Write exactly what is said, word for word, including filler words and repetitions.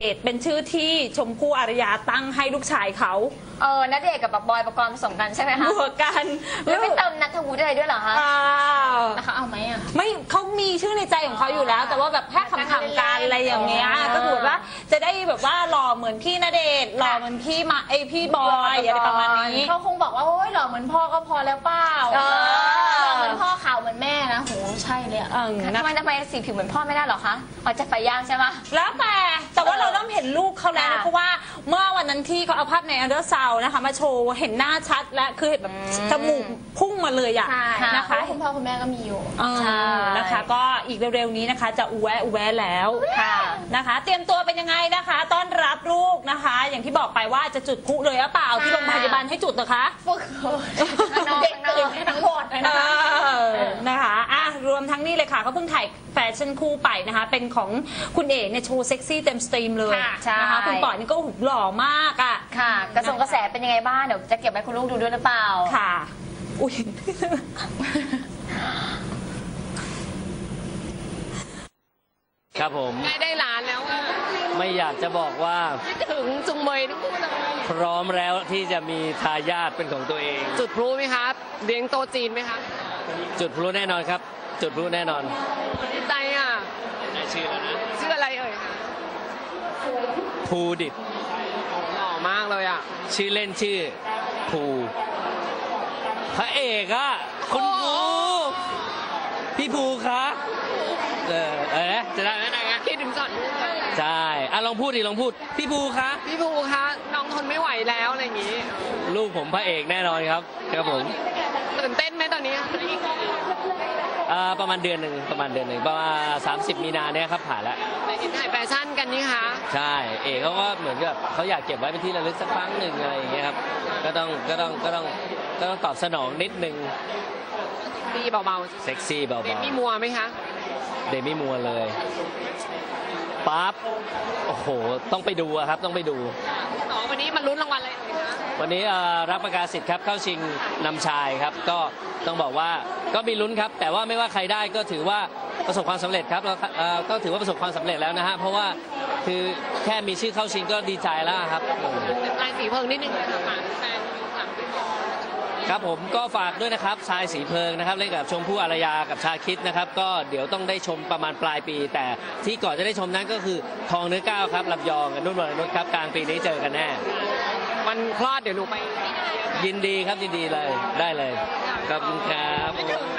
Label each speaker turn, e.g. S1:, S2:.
S1: เป็นชื่อที่ชมพู่อารยาตั้งให้ลูกชายเขา
S2: เออณเดชน์กับแบบบอยปกรณ์ผสมกันใช่ไหมคะ
S1: บวกกัน
S2: แล้วไม่เติมนัทวุฒิอะไรด้วยเหรอคะ
S1: นะคะ
S2: เอาไหมอ่ะ
S1: ไม่เขามีชื่อในใจของเขาอยู่แล้วแต่ว่าแบบแค่คำๆกันอะไรอย่างเงี้ยก็คือว่าจะได้แบบว่าหล่อเหมือนพี่ณเดชน์หล่อเหมือนพี่มาไอพี่บอยอะไรประมาณนี้
S2: เขาคงบอกว่าโอ้ยหล่อเหมือนพ่อก็พอแล้วเปล่าหล่อเหมือนพ่อขาวเหมือนแม่นะโหใช่เลยทำไมทำไมสีผิวเหมือนพ่อไม่ได้หรอคะออกจากไฟย่างใช่ไหม
S1: แล้วแต่แต่ว่าเราเริ่มเห็นลูกเขาแล้วเพราะว่าเมื่อวันนั้นที่เขาเอาภาพในอัลเดอร์ซาวนะคะมาโชว์เห็นหน้าชัดและคือเห็นแบบจมูกพุ่งมาเลยอะนะคะ
S2: คุณพ่อคุณแม่ก็มีอยู่
S1: นะคะก็อีกเร็วๆนี้นะคะจะอูแวะอูแวะแล้วนะคะเตรียมตัวเป็นยังไงนะคะต้อนรับลูกนะคะอย่างที่บอกไปว่าจะจุดพลุเลยหรือเปล่าที่โรงพยาบาลให้จุดนะคะ
S2: ฝึกเด็กตื่นทั้งหมดเลยนะคะ
S1: นะคะอ่ะรวมทั้งนี้เลยค่ะเขาเพิ่งถ่ายแฟชั่นคู่ไปนะคะเป็นของคุณเอ๋เนี่ยโชว์เซ็กซี่เต็มสตรีมเลยนะคะคุณปอยนี่ก็หุบหล่อมากอ่ะ
S2: ค่ะกระทรวงกระแสเป็นยังไงบ้างเดี๋ยวจะเก็บไว้คุณลูกดูด้วยหรือเปล่า
S1: ค่ะอุ้ย
S3: ครับผม
S4: ใกล้ได้ล้านแล้วอะ
S3: ไม่อยากจะบอกว่า
S4: คิดถึงจุงเมยทั้งคู่เลย
S3: พร้อมแล้วที่จะมีทายาทเป็นของตัวเอง
S4: จุดพลุไหมครับเลี้ยงโตจีนไหมครับ
S3: จุดพลุแน่นอนครับจุดพลุแน่นอน
S4: ดีใจอ่ะ
S3: ได้ชื่อแล้วนะ
S4: ชื่ออะไรเอ่ย
S3: ภูดิษฐ์
S4: หล่อมากเลยอ่ะ
S3: ชื่อเล่นชื่อภูพระเอกอะคุณภูพี่ภูคะเออเออจะได้ไหมนะ
S4: คิดถึงก่อน
S3: ใช่อ่ะลองพูดดิลองพูดพี่ภูคะ
S4: พี่ภูคะน้องทนไม่ไหวแล้วอะไรอย่างงี้
S3: ลูกผมพระเอกแน่นอนครับครับผม
S4: ตื่นเต้นไหมตอนนี้
S3: อ่าประมาณเดือนหนึ่งประมาณเดือนหนึ่งประมาณสามสิบมีนาเนี่ยครับผ่านแล้ว
S4: ไปเห็นถ่ายแฟชั่นกันนี่คะ
S3: ใช่เอกเขาก็เหมือนกับเขาอยากเก็บไว้เป็นที่ระลึกสักครั้งหนึ่งอะไรอย่างเงี้ยครับก็ต้องก็ต้องก็ต้องก็ต้องตอบสนองนิดนึง
S4: ดีเบา
S3: ๆเซ็กซี่เบาๆเด
S4: มี่มัวไหมคะ
S3: เดมี่มัวเลยปั๊บโอ้โหต้องไปดูครับต้องไปดู
S4: ต่อวันนี้มันลุ้นรางวัลอะไรคะ
S3: วันนี้รับประกาศสิทธิ์ครับเข้าชิงนำชายครับก็ต้องบอกว่าก็มีลุ้นครับแต่ว่าไม่ว่าใครได้ก็ถือว่าประสบความสำเร็จครับเราก็ถือว่าประสบความสำเร็จแล้วนะฮะเพราะว่าคือแค่มีชื่อเข้าชิงก็ดีใจแล้วครับ
S4: ลายสีเพิงนิดนึงนะคะแฟน
S3: ครับผมก็ฝากด้วยนะครับชายสีเพิงนะครับเล่นกับชมพู่อารยากับชาคิดนะครับก็เดี๋ยวต้องได้ชมประมาณปลายปีแต่ที่ก่อนจะได้ชมนั้นก็คือทองเนื้อก้าวครับลำยองกับนุ่นวรนุชครับกลางปีนี้เจอกันแน่
S4: วันคลอดเดี๋ยวหนูไป
S3: ยินดีครับยินดีเลยได้เลยขอบคุณครับ